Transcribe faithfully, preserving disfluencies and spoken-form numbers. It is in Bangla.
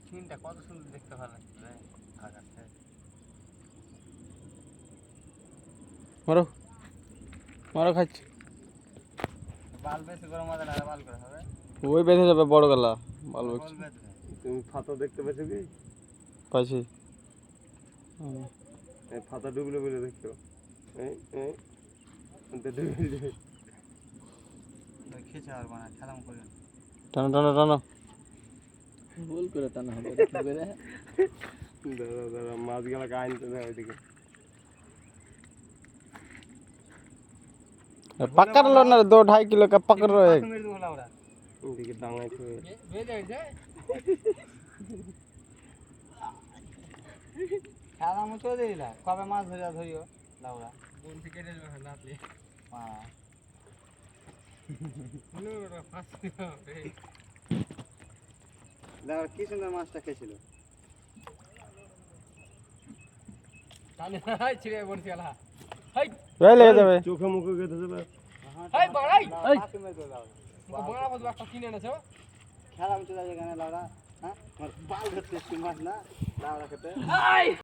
সিনটা কত সুন্দর দেখতে ভালো লাগছে রে আকাশে। মারো মারো খাচ্ছে বাল বেশি করে মজা লাগে বাল করে হবে ওই বেঁধে যাবে বড় গলা বাল বল বকছে বেঁধবে তুমি ফাতা দেখতে পেয়েছো কি? পাইছি এই ফাতা ডুবলে বলে দেখছো এই এই ডুবে যাবে খেছে আর বানা খেলাম করে টানো টানো টানো ভুল করে টানা হবে কি করে দাদা দাদা মাছ গেলা আনতে দেয় ওইদিকে पकड़ लो ना दो ढाई किलो का पकड़ रहे मेरे दो लाउड़ा ওইদিকে ডাঙায় থুয়ে বে যাই যায় খেলা মুছো দিলা কবে মাছ ধরিয়া ধরিও লাউড়া কোন থেকে কেটে যাবে নাতলি হ্যাঁ নো রে ফাঁসি রে দাও কি সুন্দর মাছটা খেয়েছিল টানে হাই ছিড়ে বলছি আলা হাই वे ले जावे চোখে মুখে গেঁথে দেবে হাই বাড়াই হাই বড়া বড় একটা কিনে এনেছো খেলা মুছো যায় এখানে লাউড়া হ্যাঁ আমার বাল ধরতে মাছ না লাউড়া খেতে